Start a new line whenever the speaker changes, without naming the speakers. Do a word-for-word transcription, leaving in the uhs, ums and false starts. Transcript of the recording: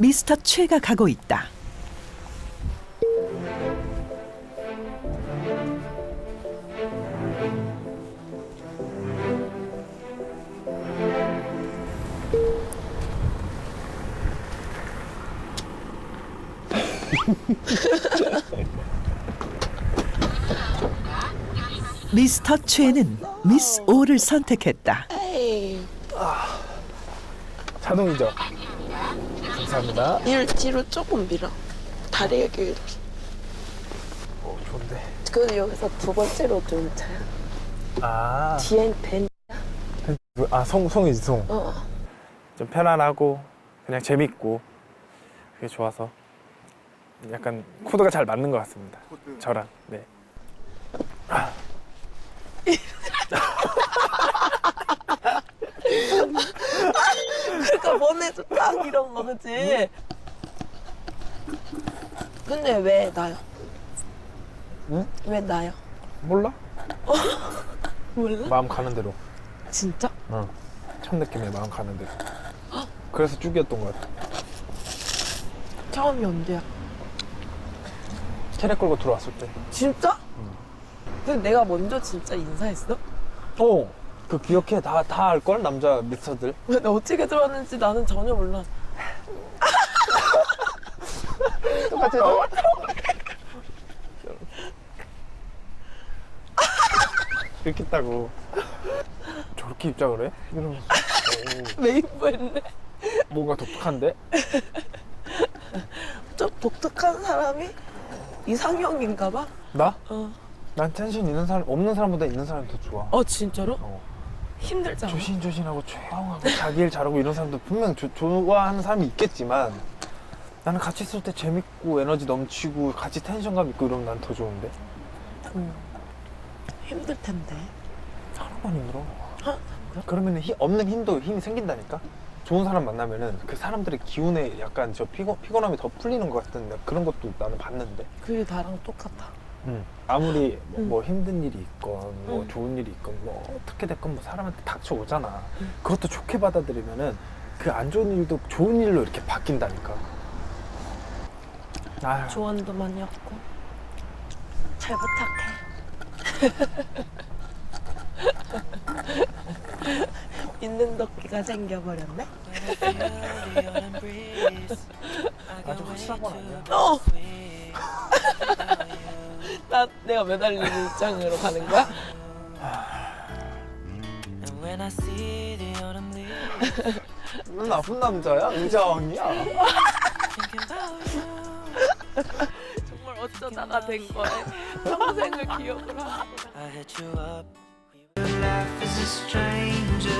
미스터 최가 가고 있다. 미스터 최는 미스 오를 선택했다.
에이,
자동이죠? 감사합니다.
뒤로, 뒤로 조금 밀어. 다리가 길어.
오, 좋은데.
그래서 여기서 두 번째로 좀 차야.
아,
뒤엔 벤.
아 송, 송이지, 송.
어.
좀 편안하고 그냥 재밌고 그게 좋아서 약간 코드가 잘 맞는 것 같습니다. 저랑. 네.
그러니까 보내줘 딱 이런 거 그치? 근데 왜 나요?
응?
왜 나요?
몰라?
몰라?
마음 가는 대로.
진짜?
어. 첫 느낌에 마음 가는 대로. 그래서 쭉이었던 것 같아.
처음이 언제야?
체력 끌고 들어왔을 때.
진짜? 근데 내가 먼저 진짜 인사했어?
어. 그 기억해. 다, 다 알걸? 남자 미스터들.
왜 나 어떻게 들어왔는지 나는 전혀 몰라.
똑같아. 이렇게 있다고. 저렇게 입장을 해? 이러면서. 오,
메인보였네.
뭔가 독특한데?
좀 독특한 사람이 이상형인가 봐?
나?
어.
난 텐션 있는 사람, 없는 사람보다 있는 사람이 더 좋아.
어 진짜로?
어.
힘들잖아.
조신조신하고 조용하고 자기 일 잘하고 이런 사람도 분명 조, 좋아하는 사람이 있겠지만 나는 같이 있을 때 재밌고 에너지 넘치고 같이 텐션감 있고 이러면 난 더 좋은데.
응. 힘들 텐데.
하나만 힘들어.
아,
그러면 힘, 없는 힘도 힘이 생긴다니까. 좋은 사람 만나면은 그 사람들의 기운에 약간 저 피곤, 피곤함이 더 풀리는 것 같은 그런 것도 나는 봤는데.
그게 나랑 똑같아.
응. 아무리 뭐,
응.
뭐 힘든 일이 있건 뭐
응.
좋은 일이 있건 뭐 어떻게 됐건 뭐 사람한테 닥쳐오잖아.
응.
그것도 좋게 받아들이면은 그 안 좋은 일도 좋은 일로 이렇게 바뀐다니까. 아휴.
조언도 많이 얻고. 잘 부탁해. 있는 덕기가 생겨버렸네?
아주 확실한 건 아니야.
어! 나 내가 매달리는 입장으로 가는 거야?
넌 나쁜 남자야? 의자왕이야?
정말 어쩌다가 된 거야. 평생을 기억을 하고.
Life is a stranger